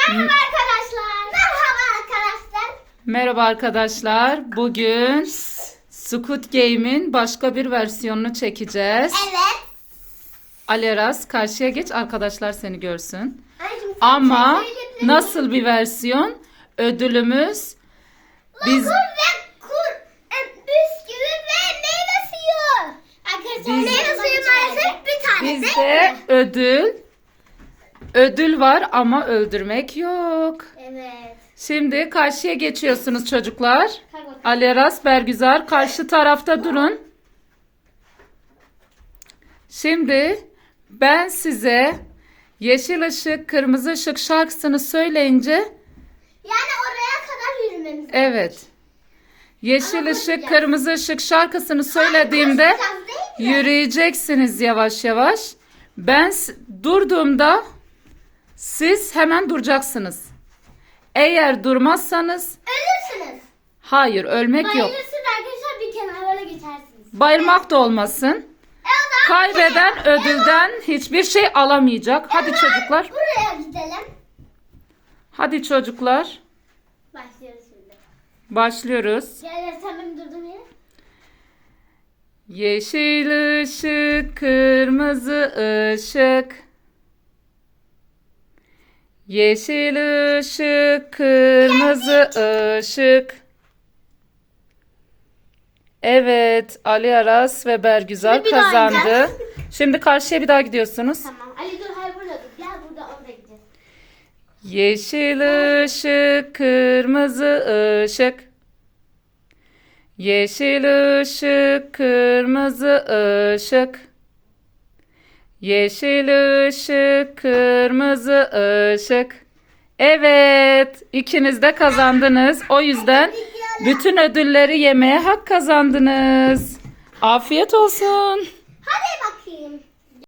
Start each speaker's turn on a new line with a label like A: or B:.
A: Merhaba arkadaşlar. Merhaba arkadaşlar.
B: Merhaba arkadaşlar. Bugün Squid Game'in başka bir versiyonunu çekeceğiz.
A: Evet.
B: Aleras karşıya geç, arkadaşlar seni görsün.
A: Anneciğim,
B: Ama
A: sen söyle.
B: nasıl bir versiyon? Ödülümüz biz
A: Lokum ve bisküvi ve meyve suyu. Arkadaşlar meyve suyu maalesef bir tane
B: bizde ödül var ama öldürmek yok.
A: Evet.
B: Şimdi karşıya geçiyorsunuz çocuklar. Aleras, Bergüzar karşı tarafta durun. Şimdi ben size yeşil ışık, kırmızı ışık şarkısını söyleyince
A: Yani oraya kadar yürümemiz.
B: evet. Yeşil
A: Ama
B: ışık,
A: koşacağız.
B: kırmızı ışık şarkısını söylediğimde
A: Koşacağız değil mi?
B: yürüyeceksiniz yavaş yavaş. Ben durduğumda siz hemen duracaksınız. Eğer durmazsanız
A: Ölürsünüz.
B: hayır, ölmek yok.
A: Bayılırsınız arkadaşlar, bir kenara böyle geçersiniz.
B: Bayılmak da olmasın.
A: O zaman
B: Kaybeden ödülden hiçbir şey alamayacak. Hadi çocuklar.
A: buraya gidelim.
B: Hadi çocuklar.
A: Başlıyoruz şimdi.
B: Başlıyoruz.
A: Gel sen benim durduğum yere.
B: Yeşil ışık, kırmızı ışık. Yeşil ışık, kırmızı ışık. Evet, Ali Aras ve Bergüzar
A: Şimdi bir daha
B: kazandı.
A: oynayacağız.
B: Şimdi karşıya bir daha gidiyorsunuz.
A: Tamam. Ali dur, hayır burada dur. Gel burada, oraya gideceğiz.
B: Yeşil ışık, kırmızı ışık. Yeşil ışık, kırmızı ışık. Yeşil ışık, kırmızı ışık. Evet, ikiniz de kazandınız. O yüzden bütün ödülleri yemeye hak kazandınız. Afiyet olsun.
A: Hadi bakayım.